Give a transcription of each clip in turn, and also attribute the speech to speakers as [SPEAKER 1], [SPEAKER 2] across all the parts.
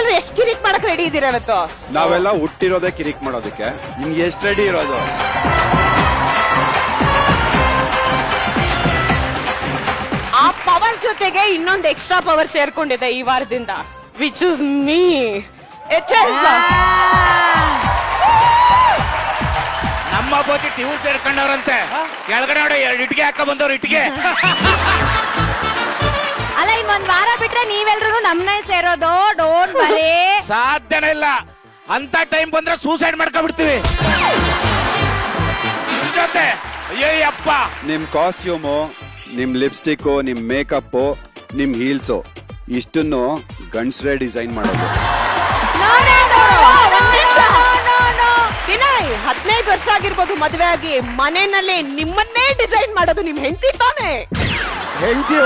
[SPEAKER 1] ನೀವೆಲ್ಲರೂ ಎಷ್ಟು ಕಿರಿಕ್ ಮಾಡಕ್ ರೆಡಿ ಇದೀರ ಇವತ್ತು?
[SPEAKER 2] ನಾವೆಲ್ಲ ಹುಟ್ಟಿರೋದೇ ಕಿರಿಕ್ ಮಾಡೋದಕ್ಕೆ. ಇನ್ ಎಷ್ಟು ರೆಡಿ ಇರೋದು?
[SPEAKER 1] ಆ ಪವರ್ ಜೊತೆಗೆ ಇನ್ನೊಂದು ಎಕ್ಸ್ಟ್ರಾ ಪವರ್ ಸೇರ್ಕೊಂಡಿದೆ ಈ ವಾರದಿಂದ, ವಿಚ್ ಇಸ್ ಮೀ.
[SPEAKER 3] ನಮ್ಮ ಬೋತಿ ಟಿವ್ ಸೇರ್ಕೊಂಡವ್ರಂತೆ. ಕೆಳಗಡೆ ನೋಡಿ ಇಟ್ಟಿಗೆ ಹಾಕ ಬಂದವ್ರು ಇಟ್ಟಿಗೆ.
[SPEAKER 4] ಅಲ್ಲ ಇನ್ನೊಂದ್ ವಾರ ಬಿಟ್ರೆ ನೀವೆಲ್ರೂ ನಮ್ನೇ ಸೇರೋದು. Don't worry.
[SPEAKER 3] ಸಾಧ್ಯನೇ ಇಲ್ಲ. ಅಂತ ಟೈಮ್ ಬಂದ್ರೆ ಸೂಸೈಡ್ ಮಾಡ್ಕೊಂಡ್ಬಿಡ್ತೀವಿ ಜೊತೆ. ಅಯ್ಯಪ್ಪ,
[SPEAKER 2] ನಿಮ್ ಕಾಸ್ಟ್ಯೂಮು, ನಿಮ್ ಲಿಪ್ಸ್ಟಿಕ್, ನಿಮ್ ಮೇಕಪ್, ನಿಮ್ ಹೀಲ್ಸು ಇಷ್ಟನ್ನು ಗಂಡ್ಸ್ರೇ ಡಿಸೈನ್ ಮಾಡೋದು.
[SPEAKER 1] ವಿನಯ್, 15 ವರ್ಷ ಆಗಿರ್ಬೋದು ಮದುವೆ ಆಗಿ, ಮನೆಯಲ್ಲಿ ನಿಮ್ಮನ್ನೇ ಡಿಸೈನ್ ಮಾಡೋದು ನಿಮ್ ಹೆಂಡತಿ ತಾನೆ?
[SPEAKER 2] ಹೆಂಡತಿ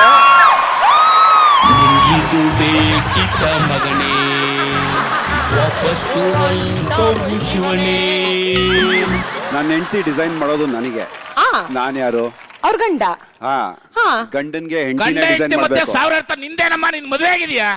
[SPEAKER 5] ಇದು ಬೇಕಿತ ಮಗನೇ, ವಾಪಸ್ಸು ಹೋಗು ಶಿವನೇ.
[SPEAKER 2] ನನ್ನ ಹೆಂಡತಿ ಡಿಸೈನ್ ಮಾಡೋದು ನನಗೆ. ನಾನ್ ಯಾರು?
[SPEAKER 1] ಅವ್ರ ಗಂಡ.
[SPEAKER 2] ಗಂಡನ್ಗೆ
[SPEAKER 3] ಗಂಡ
[SPEAKER 2] ಹೆಂಡತಿನೇ ಡಿಸೈನ್
[SPEAKER 3] ಹೆಂಡತಿ ಮತ್ತೆ
[SPEAKER 2] ಮಾಡ್ಬೇಕು.
[SPEAKER 3] 1000 ಅರ್ಥ ನಿಂದೇನಮ್ಮ. ನಿನ್ ಮದುವೆ ಆಗಿದ್ಯಾ?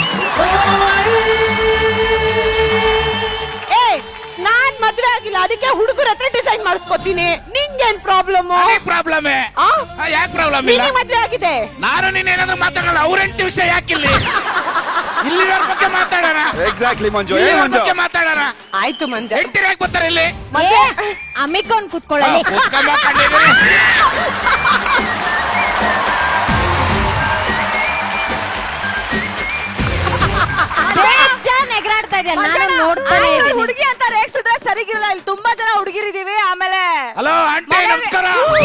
[SPEAKER 1] ನಾನ್ ಮದ್ವೆ ಆಗಿಲ್ಲ, ಅದಕ್ಕೆ ಹುಡುಗರ ಹತ್ರ ಡಿಸೈನ್ ಮಾಡಿಸ್ಕೊತೀನಿ. ನಿಂಗೇನ್ ಪ್ರಾಬ್ಲಮ್?
[SPEAKER 3] ಪ್ರಾಬ್ಲಮ್ ಯಾಕೆ ಪ್ರಾಬ್ಲಮ್ ಇಲ್ಲ?
[SPEAKER 1] ಮದ್ವೆ ಆಗಿದೆ.
[SPEAKER 3] ನಾನು ನೀನೇನಾದ್ರೂ ಮಾತಾಡೋಣ. ಅವ್ರ ಹೆಂಡತಿ ವಿಷಯ ಯಾಕಿಲ್ಲ? ಇಲ್ಲಿರೋರ್ ಬಗ್ಗೆ ಮಾತಾಡೋಣ.
[SPEAKER 2] ಎಕ್ಸಾಕ್ಟ್ಲಿ ಮಂಜು.
[SPEAKER 3] ಬಗ್ಗೆ ಮಾತಾಡೋಣ.
[SPEAKER 1] ಆಯ್ತು ಮಂಜ.
[SPEAKER 3] ಹೆಂಡತಿ ಯಾಕೆ ಬರ್ತಾರೆ ಇಲ್ಲಿ?
[SPEAKER 4] ಅಮ್ಮಿಕೊಂಡ್ ಕುತ್ಕೊಳ್ಳಿ. ನೆಗರಾಡ್ತಾ ಇದೆ, ನಾನು ನೋಡ್ತಾನೆ ಇದ್ದೀನಿ.
[SPEAKER 1] ಹುಡುಗಿ ಅಂತ ರೇಗ್ಸಿದ್ರೆ ಸರಿಗಿರಲ್ಲ. ಇಲ್ಲಿ ತುಂಬಾ ಜನ ಹುಡುಗಿರಿದೀವಿ. ಆಮೇಲೆ
[SPEAKER 3] ಹಲೋ ಆಂಟಿ, ನಮಸ್ಕಾರ.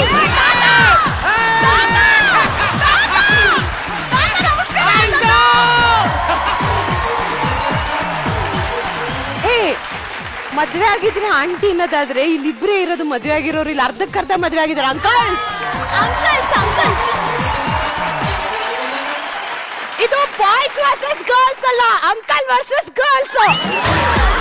[SPEAKER 3] ಮದ್ವೆ ಆಗಿದ್ರೆ ಆಂಟಿ ಅನ್ನೋದಾದ್ರೆ ಇಲ್ಲಿಬ್ರೇ ಇರೋದು ಮದ್ವೆ ಆಗಿರೋರು. ಇಲ್ಲಿ ಅರ್ಧಕ್ಕರ್ಧ ಮದ್ವೆ ಆಗಿದ್ದಾರೆ. ಅಂಕಲ್ಸ್, ಇದು ಬಾಯ್ಸ್ ವರ್ಸಸ್ ಗರ್ಲ್ಸ್ ಅಲ್ಲ, ಅಂಕಲ್ ವರ್ಸಸ್ ಗರ್ಲ್ಸ್.